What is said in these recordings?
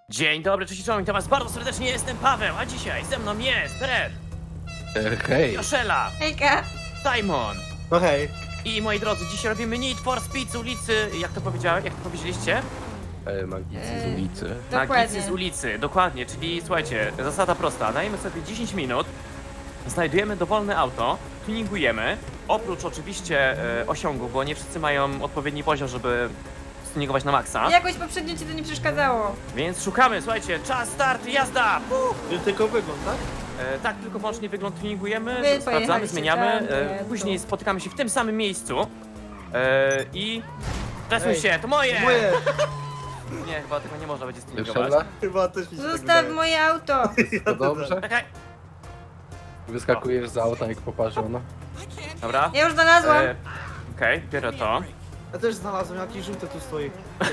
Dzień dobry, cześć, witam was bardzo serdecznie, jestem Paweł, a dzisiaj ze mną jest Red, Hej. Joszela, Hejka! Simon No hej. i moi drodzy, dzisiaj robimy Need for Speed z ulicy, jak to powiedziałem, jak to powiedzieliście? Magicy z ulicy. Magicy Dokładnie. z ulicy, dokładnie, czyli słuchajcie, zasada prosta, dajemy sobie 10 minut, znajdujemy dowolne auto, tuningujemy, oprócz oczywiście osiągu, bo nie wszyscy mają odpowiedni poziom, żeby stuningować na maksa, Jakoś poprzednio ci to nie przeszkadzało. więc szukamy, słuchajcie, czas, start, jazda! Tylko wygląd, tak? Tak, tylko wyłącznie wygląd tuningujemy, Wy sprawdzamy, pojechaliście zmieniamy, tam, to później tu. spotykamy się w tym samym miejscu i... Stresuj Ej, się, to moje! Moje! Nie, chyba tego nie można będzie stuningować. Joszela? Chyba też mi się tak Zostaw wydaje. moje auto! To dobrze? Czekaj, Wyskakujesz z auta jak poparzona. dobra. Ja już znalazłam. Okej, biorę to. Ja też znalazłem, jakiś żółty tu stoi.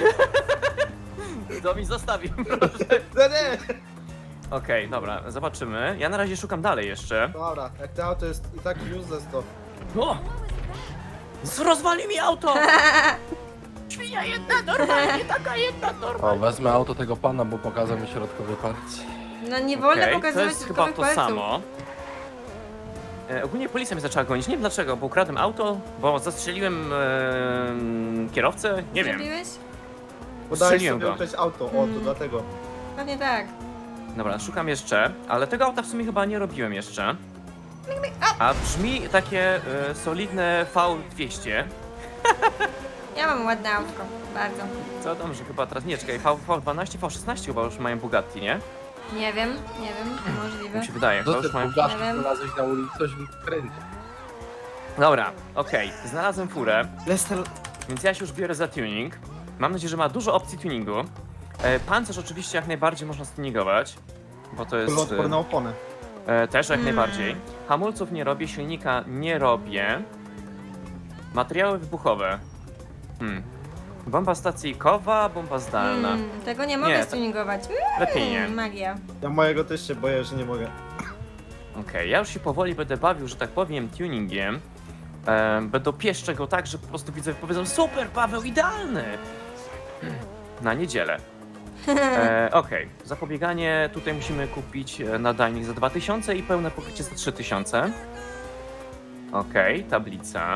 To mi zostawi, proszę. No nie! Okej, dobra, zobaczymy. Ja na razie szukam dalej jeszcze. Dobra, jak to auto jest i tak useless to... O! Rozwali mi auto! Świnia jedna, normalnie, taka jedna, normalnie. O, wezmę auto tego pana, bo pokazał mi środkowy palec. No nie wolno Okej, to pokazywać jest chyba środkowych to palców. samo. Ogólnie policja mnie zaczęła gonić. Nie wiem dlaczego, bo ukradłem auto, bo zastrzeliłem kierowcę. Nie wiem. Zrobiłeś? Podałeś Strzeliłem sobie go. ukryć auto, o to dlatego. Pewnie tak. Dobra, szukam jeszcze, ale tego auta w sumie chyba nie robiłem jeszcze. A brzmi takie solidne V200. Ja mam ładne autko. Bardzo. Co tam, że chyba teraz nie, czekaj, V12, V16 chyba już mają Bugatti, nie? Nie wiem, możliwe. Mi się wydaje, Co chyba ty już mają... Bugatti Nie wiem. znalazłeś na ulicy, coś mi kręci. Dobra, okej, znalazłem furę, Lester... więc ja się już biorę za tuning. Mam nadzieję, że ma dużo opcji tuningu. Pancerz oczywiście jak najbardziej można stuningować, bo to jest... Odporny na oponę. Też jak najbardziej. Hamulców nie robię, silnika nie robię. Materiały wybuchowe. Bomba stacyjkowa, bomba zdalna. Tego nie mogę Nie, to- stuningować. Lepiej nie. Magia. Ja mojego też się boję, że nie mogę. Okej, ja już się powoli będę bawił, że tak powiem, tuningiem. Będę pieszczę go tak, że po prostu widzę, powiedzą super, Paweł, idealny! Na niedzielę. Okej, zapobieganie tutaj musimy kupić nadajnik za 2000 i pełne pokrycie za 3000. Okej, tablica.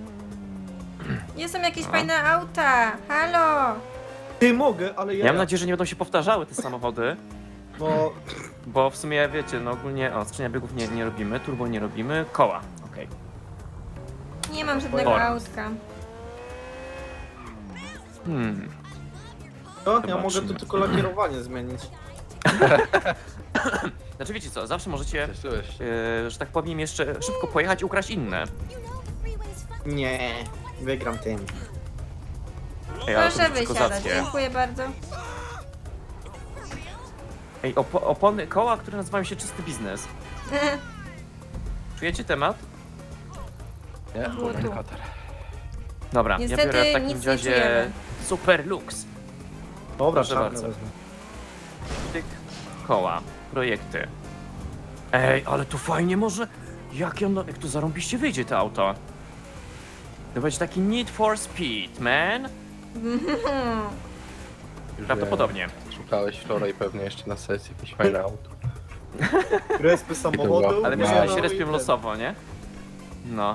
Są jakieś A. fajne auta. Halo! Ty mogę, ale Ja ja... mam nadzieję, że nie będą się powtarzały te samochody, Bo... bo w sumie wiecie, no ogólnie, skrzynia biegów nie robimy, turbo nie robimy, koła, okej. Nie mam żadnego Ora. autka. To ja Zobaczymy. mogę tu tylko lakierowanie zmienić. Znaczy wiecie co, zawsze możecie, Cieszyłeś się. że tak powiem, jeszcze szybko pojechać i ukraść inne. Nie, wygram tym. Ej, ale to Proszę będzie wysiadać. kozackie. Dziękuję bardzo. Ej, opony, koła, które nazywają się czysty biznes. Czujecie temat? Nie? Było tu. Komentarz. Dobra, Niestety ja biorę w takim nic nie razie czujemy. Super Lux. Dobra, Proszę czarne bardzo. wezmę. Tyk, koła, projekty. Ej, ale tu fajnie może... Jak tu zarąbiście wyjdzie to auto? To będzie taki Need for Speed, man. Już Prawdopodobnie. wiem. Szukałeś wczoraj pewnie jeszcze na sesji jakieś fajne auto. Respy samochodu. Ale No, myślę, że no się i respią ten. losowo, nie? No.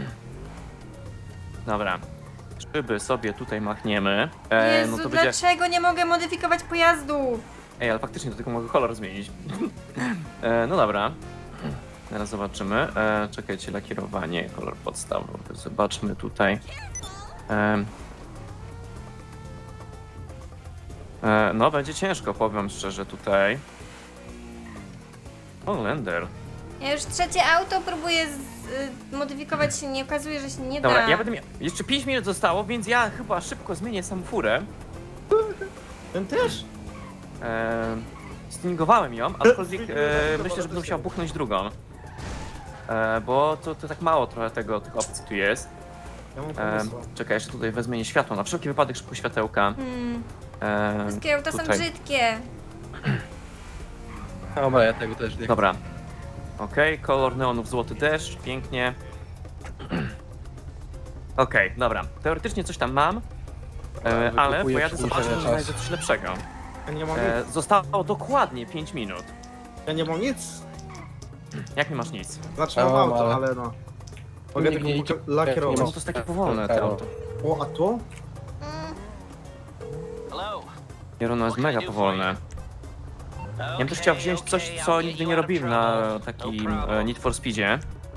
Dobra. Szyby sobie tutaj machniemy. Jezu, No to będzie... dlaczego nie mogę modyfikować pojazdu? Ej, ale faktycznie to tylko mogę kolor zmienić. No dobra. Teraz zobaczymy. Czekajcie, lakierowanie, kolor podstawowy. Zobaczmy tutaj. No, będzie ciężko, powiem szczerze tutaj. O, Lender. Ja już trzecie auto próbuję modyfikować, się nie okazuje, że się nie Dobra, da. ja będę miał... Jeszcze 5 minut zostało, więc ja chyba szybko zmienię samą furę. Ten też? Stuningowałem ją, aczkolwiek myślę, że będę musiał buchnąć drugą. Bo to tak mało trochę tych opcji tu jest. Ja mam pomysł. Czekaj, jeszcze tutaj wezmę nie światło, na wszelki wypadek szybko światełka. Wszystkie auta są tutaj. brzydkie. Dobra, ja tego też nie chcę. Dobra. Okej, kolor neonów złoty deszcz, pięknie. Okej, dobra. Teoretycznie coś tam mam, ale Wykupuję pojadę zobaczyć, przedłużenie że znajdę czasu. coś lepszego. Ja nie mam nic. Zostało dokładnie 5 minut. Ja nie mam nic. Jak nie masz nic? Znaczy Ja mam mam, auto, ale- ale no. Mogę Nikt nie tylko idzie. No lakierować. to jest takie powolne to auto. O, a tu? Jerono jest mega powolne. Ja bym też chciał wziąć coś, co nigdy nie robiłem na takim Need for Speedzie.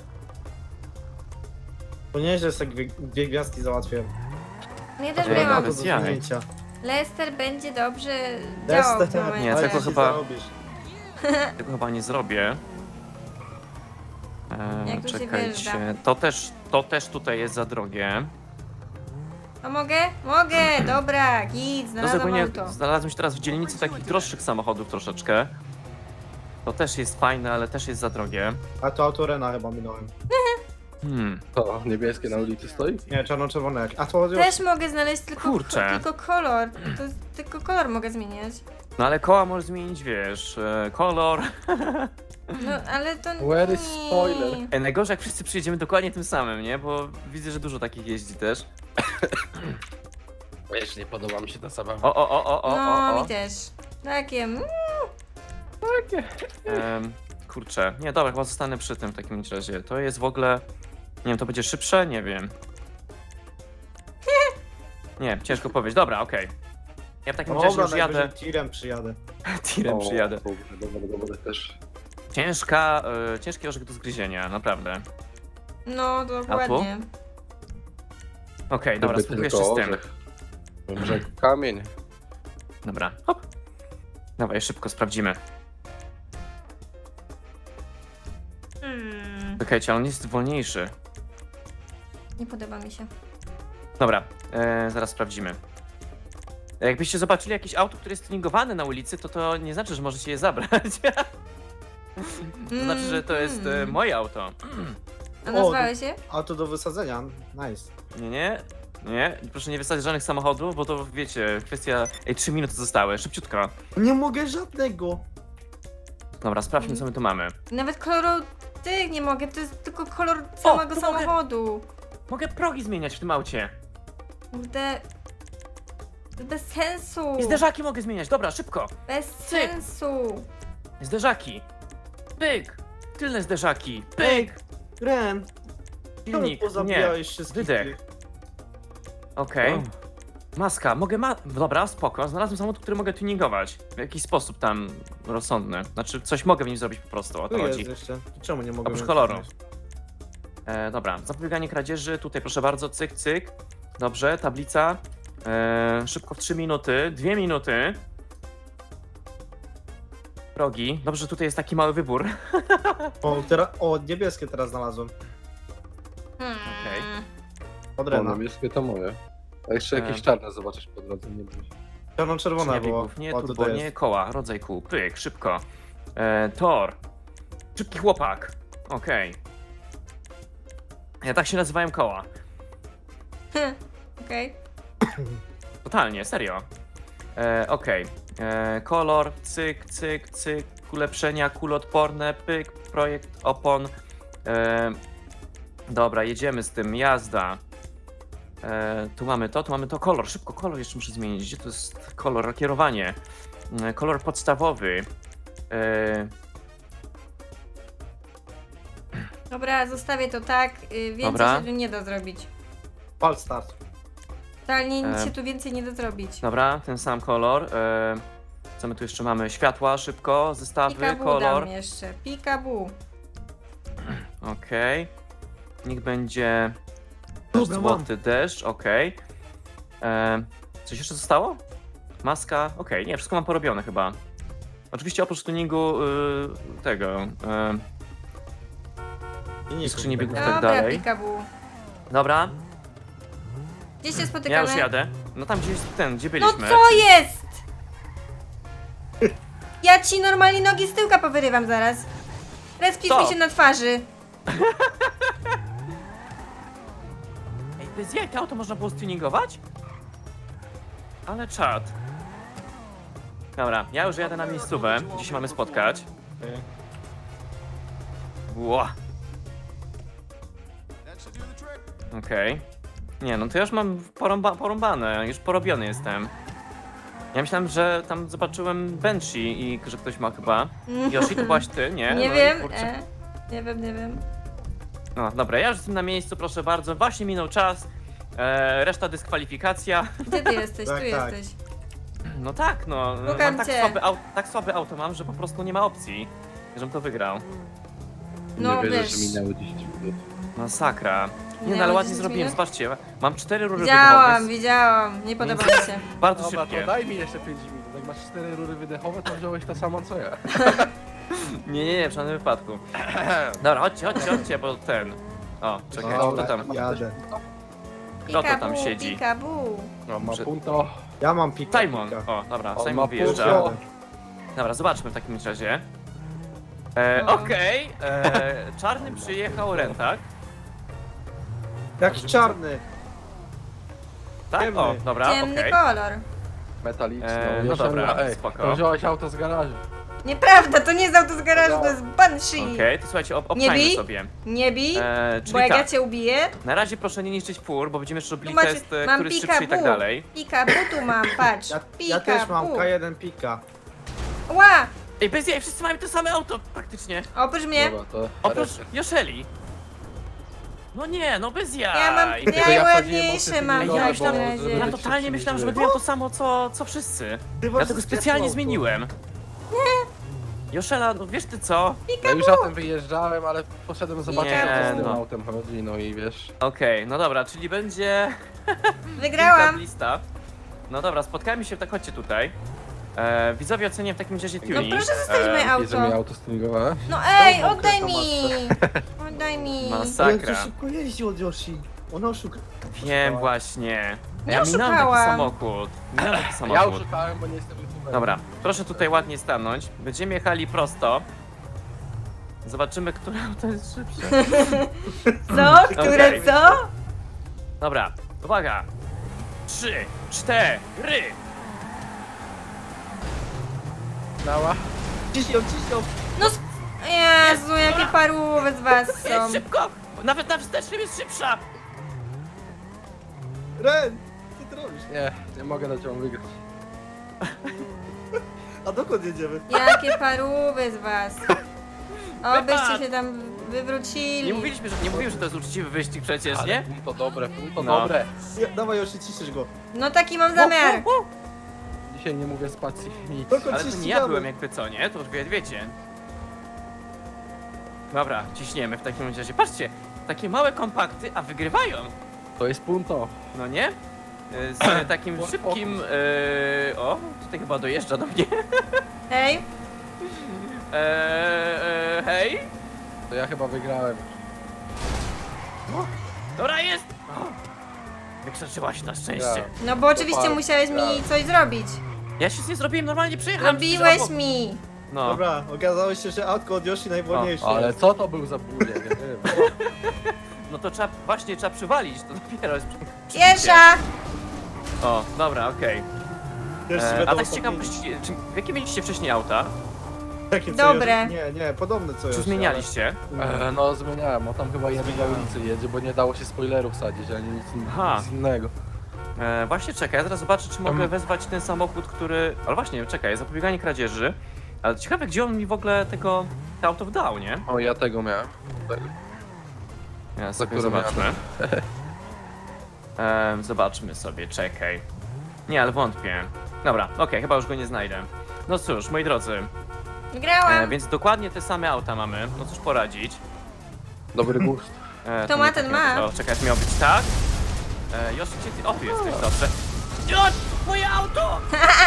To nie, że sobie dwie gwiazdki załatwiłem. No ja też Ej, Mam miałam. auto do bez jaj. zmienięcia. Lester będzie dobrze działał w Destek. tym momencie. Nie, Ale tego jeśli chyba- zarobisz. Tego chyba nie zrobię. Jak tu się Czekajcie. wjeżdża? To też tutaj jest za drogie. A mogę? Mogę! Dobra, git, No znalazłam zupełnie auto. znalazłem się teraz w dzielnicy takich droższych samochodów troszeczkę. To też jest fajne, ale też jest za drogie. A to auto Rena chyba minąłem. To niebieskie na ulicy stoi? Nie, czarno-czerwone jak. A to już... Też mogę znaleźć Kurczę. tylko kolor. Tylko kolor mogę zmieniać. No ale koła możesz zmienić, wiesz, kolor. No ale to Where is nie. spoiler? Najgorzej jak wszyscy przyjedziemy dokładnie tym samym, nie? Bo widzę, że dużo takich jeździ też. Wiesz, nie podoba mi się ta zabawa. No, o. mi też. Takie. Kurczę, nie, dobra, chyba zostanę przy tym w takim razie. To jest w ogóle, nie wiem, to będzie szybsze? Nie wiem. Nie, ciężko powiedzieć. Dobra, okej. Ja w takim razie Dobra, już jadę. najwyżej tirem przyjadę. Tirem przyjadę. Dobra, też. Ciężki orzech do zgryzienia, naprawdę. No, dokładnie. Okej, dobra, Gdyby spróbuję tylko jeszcze z tym. orzech. Może kamień. Dobra, hop. Dawaj, szybko sprawdzimy. Czekajcie, ale on jest wolniejszy. Nie podoba mi się. Dobra, zaraz sprawdzimy. Jakbyście zobaczyli jakieś auto, które jest tuningowane na ulicy, to nie znaczy, że możecie je zabrać. To znaczy, że to jest moje auto. A nazwałeś się? Auto do wysadzenia. Nice. Nie, proszę nie wysadzić żadnych samochodów, bo to wiecie, kwestia... Ej, 3 minuty zostały, szybciutko. Nie mogę żadnego. Dobra, sprawdźmy, co my tu mamy. Nawet koloru tych nie mogę, to jest tylko kolor samego tu mogę. samochodu. Mogę progi zmieniać w tym aucie. Kurde. To bez sensu. I zderzaki mogę zmieniać, dobra, szybko. Bez sensu. Zderzaki. Pyk. Tylne zderzaki. Pyk. Ren, czemu Silnik, nie. pozabijałeś wszystkich Wydech. tych? Okej. Maska, Dobra, spoko. Znalazłem samochód, który mogę tuningować. W jakiś sposób tam rozsądny. Znaczy, coś mogę w nim zrobić po prostu, o to Tu jest chodzi. jeszcze. Czemu nie mogę? Oprócz mieć koloru. również? Dobra, zapobieganie kradzieży. Tutaj proszę bardzo, cyk, cyk. Dobrze, tablica. Szybko w 3 minuty. 2 minuty. Progi. Dobrze, że tutaj jest taki mały wybór. O, niebieskie teraz znalazłem. Okej. Od O, Rena. niebieskie to moje. A jeszcze jakieś czarne zobaczysz po drodze, nie bój się. Czarno-czerwone Nie było. biegów, nie O, to turbo, jest. nie koła, rodzaj kół. Pyk, szybko. Tor. Szybki chłopak. Okej. Ja tak się nazywałem koła. Okej. Totalnie, serio. Okej. Kolor, cyk, cyk, cyk. Ulepszenia, kuloodporne, pyk, projekt opon. Dobra, jedziemy z tym, jazda. Tu mamy to, kolor, szybko kolor jeszcze muszę zmienić. Gdzie to jest kolor, kierowanie? Kolor podstawowy. Dobra, zostawię to tak. Więcej Dobra. się tu nie da zrobić. Fal start. Totalnie nic się tu więcej nie da zrobić. Dobra, ten sam kolor. Co my tu jeszcze mamy? Światła, szybko, zestawy, Pikabu kolor. dam jeszcze. Pikabu. Okej. Niech będzie Dobra, mam. złoty deszcz, okej. Coś jeszcze zostało? Maska, okej, nie, wszystko mam porobione chyba. Oczywiście oprócz tuningu tego, I skrzyni biegów. Tak Dobra, dalej. Pikabu. dobra, Gdzie się ja spotykamy? już jadę. No tam gdzie jest ten, gdzie No byliśmy. co jest? Ja ci normalnie nogi z tyłka powyrywam zaraz. Respisz mi Stop. się na twarzy. Ej, bez jaj, to auto można było stuningować? Ale czad. Dobra, ja już jadę na miejscówę, gdzie się mamy spotkać. Ła. Okej. Nie, no to ja już mam porąbane, już porobiony jestem. Ja myślałem, że tam zobaczyłem Banshee i że ktoś ma chyba. Yoshi, to byłaś ty, nie? Nie No i wiem, kurczę. nie wiem. No dobra, ja już jestem na miejscu, proszę bardzo. Właśnie minął czas. Reszta dyskwalifikacja. Gdzie ty jesteś? Tak, Tu tak. jesteś. No tak, no. Szukam Mam cię. tak słabe auto mam, że po prostu nie ma opcji, żebym to wygrał. No nie wierzę, wiesz. że minęło 10 minut. Masakra. Nie Minęło no, ale ładnie 10 zrobiłem, minut? zobaczcie. Mam 4 rury Widziałam, wydechowe. nie podoba mi się. Bardzo Dobra, szybkie. to daj mi jeszcze 5 minut. Jak masz 4 rury wydechowe, to wziąłeś to samo co ja. Nie, w żadnym wypadku. Dobra, chodźcie, bo ten. O, czekaj, Dobra, kto tam? Jadę. Kto to tam Pikabu, siedzi? Pikabu. No, ma Że- punto. Ja mam pika. Simon. pika. O, dobra, On Simon ma wyjeżdża. punto. Dobra, zobaczmy w takim razie. No. Okej, czarny przyjechał Rentak. Jak czarny. Tak? Ciemny. O, dobra, Ciemny okej. kolor. Metaliczny. No Jeszcze dobra, ej, spoko. to wziąłeś auto z garażu. Nieprawda, to nie jest auto z garażu, to jest Banshee. Okej, to słuchajcie, Nie obczajmy bij? sobie. Nie bij, Czyli bo jak tak, ja cię ubiję, na razie proszę nie niszczyć fur, bo będziemy jeszcze robili tu macie, test, mam który jest szybszy i tak Pikabu. dalej. Pikabu tu mam, patrz. Ja też mam Pikabu. K1 pika. Ła, Ej, bez jaj, wszyscy mają to same auto praktycznie. oprócz mnie. Dobra, to... Oprócz Joszeli. No nie, no bez jaj. Ja mam ja wsadziłem najładniejsze mocno mam Ej, w ja Dobra, takim myślałem, bo- razie. ja żeby- totalnie myślałem, że żeby- będę miał to samo co wszyscy. Ty Ja tego specjalnie zmieniłem. Joszela, no wiesz ty co? Ja już za tym wyjeżdżałem, ale poszedłem zobaczyć, Nie, co z tym no. autem chodzi, no i wiesz... Okej, no dobra, czyli będzie Wygrałam. lista. No dobra, spotkajmy się, tak chodźcie tutaj. Widzowie ocenię w takim razie No tuning. proszę zostawić moje Widzę mi auto. auto stuningowane. No ej, Czemu oddaj to mi. Oddaj mi. Ale Masakra. to szybko jeździł od Yoshi. Ona oszuka. Wiem właśnie. Nie Ja minąłem taki oszukałam. samochód. Minąłem taki Ja samochód. oszukałem, bo nie jestem youtuberem. Dobra, proszę tutaj ładnie stanąć. Będziemy jechali prosto. Zobaczymy, które auto jest szybsze. Co? Które Okej. co? Dobra, uwaga. 3, 4. Dała. Ciśnią. No Jezu, jakie parówy z was są. Jest szybko! Nawet na wstecznym jest szybsza! Ren, co ty robisz? Nie mogę dać wam wygrać. A dokąd jedziemy? Jakie parówy z was. Obyście się tam wywrócili. Nie mówiłem, że to jest uczciwy wyścig przecież, Ale nie? punto dobre, punto No. dobre. Dawaj Yoshi, ciśniesz go. No taki mam zamiar. Dzisiaj nie mówię spacji nic. Dokąd Ale się to nie ścigamy? ja byłem jakby co, nie? To już wiecie. Dobra, ciśniemy w takim razie. Patrzcie, takie małe kompakty, a wygrywają. To jest punto. No nie? Z takim szybkim... O, tutaj chyba dojeżdża do mnie. Hej, Hej? To ja chyba wygrałem. Dobra, jest! O, wykrzyczyłaś na szczęście. Ja. no bo oczywiście Super. musiałeś mi coś zrobić. Ja się nie zrobiłem, normalnie przejechałem. Robiłeś przecież obok. mi. No. Dobra, okazało się, że autko od Yoshi najwolniejsze. Ale co to był za bulie, nie wiem. No to trzeba przywalić, to dopiero jest przy- Pierwsza. O, dobra, okej. Pierwszy A będą tak z ostatni. ciekawości, jakie mieliście wcześniej auta? Takie co Dobre. Yoshi? Nie, podobne co Czy Yoshi, zmienialiście? No zmieniałem, o tam chyba jeden na ulicy jedzie, bo nie dało się spoilerów sadzić, ani Aha. nic innego. Właśnie czekaj, ja teraz zobaczę, czy mogę wezwać ten samochód, który... Ale właśnie, czekaj, zapobieganie kradzieży. Ale ciekawe, gdzie on mi w ogóle to auto wdał, nie? O, ja tego miałem. Ja sobie które zobaczmy. Zobaczmy sobie, czekaj. Nie, ale wątpię. Dobra, okej, chyba już go nie znajdę. No cóż, moi drodzy, Wygrałam. więc dokładnie te same auta mamy, no cóż poradzić. Dobry gust. To nie ma, tak ten miało ma. być. O, czekaj, to miało być tak. Josz, gdzie ty? O, tu jesteś, dobrze. Josz, moje auto!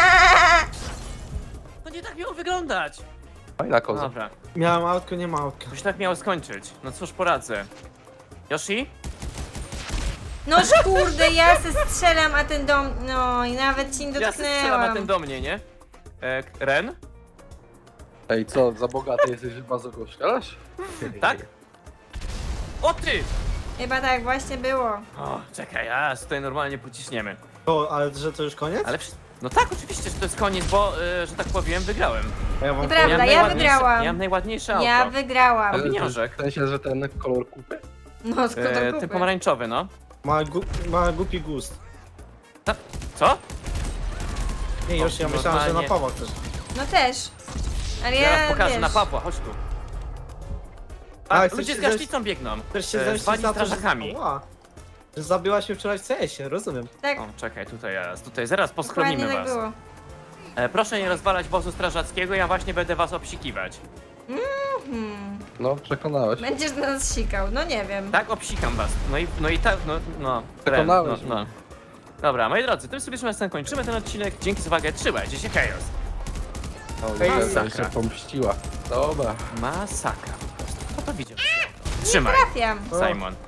To nie tak miało wyglądać. Fajna koza. Dobra, Miałem autko, nie ma autka. to się tak miało skończyć. No cóż poradzę. Yoshi? Noż kurde, ja se strzelam, a ten dom... No i nawet ci nie Ja strzelam na dotknęłam. ten do mnie, nie? Ren? Ej, co, za bogaty jesteś, że bardzo go strzelasz? Tak? O ty! Chyba tak właśnie było. O, czekaj, aż tutaj normalnie pociśniemy. O, ale że to już koniec? Ale no tak, oczywiście, że to jest koniec, bo, że tak powiem, wygrałem. A ja wam Nieprawda, Miałem ja najładniejsze- wygrałam. Miałem najładniejsze auto. Ja wygrałam. Ale- pieniążek. W sensie, że ten kolor kupy? No skąd to Ten kupy? pomarańczowy, no. Ma głupi gust. Co? Nie, już ja myślałem, że na Normalnie. Pawła chcesz. No też. Ale Zaraz ja, pokażę wiesz, na Pawła, chodź tu. A, A, chcesz ludzie się z gaśnicą biegną. Chcesz się zemścić Zwani na to, że... strażakami. Ła. Że zabiłaś mnie wczoraj w CS-ie, rozumiem. tak, O, czekaj, tutaj jest. Tutaj zaraz dokładnie poschronimy tak was. było. Proszę nie rozwalać wozu strażackiego, ja właśnie będę was obsikiwać. No, przekonałeś. Będziesz nas sikał, no nie wiem. Tak, obsikam was. No i tak, no. Przekonałeś no. Dobra, moi drodzy, tym sobie już kończymy ten odcinek. Dzięki za uwagę, trzymajcie się, chaos. O, Ej, jeszcze masakra. się pomściła. Dobra. Masakra po prostu. Kto to widział? Trzymaj, Trafiam. Simon.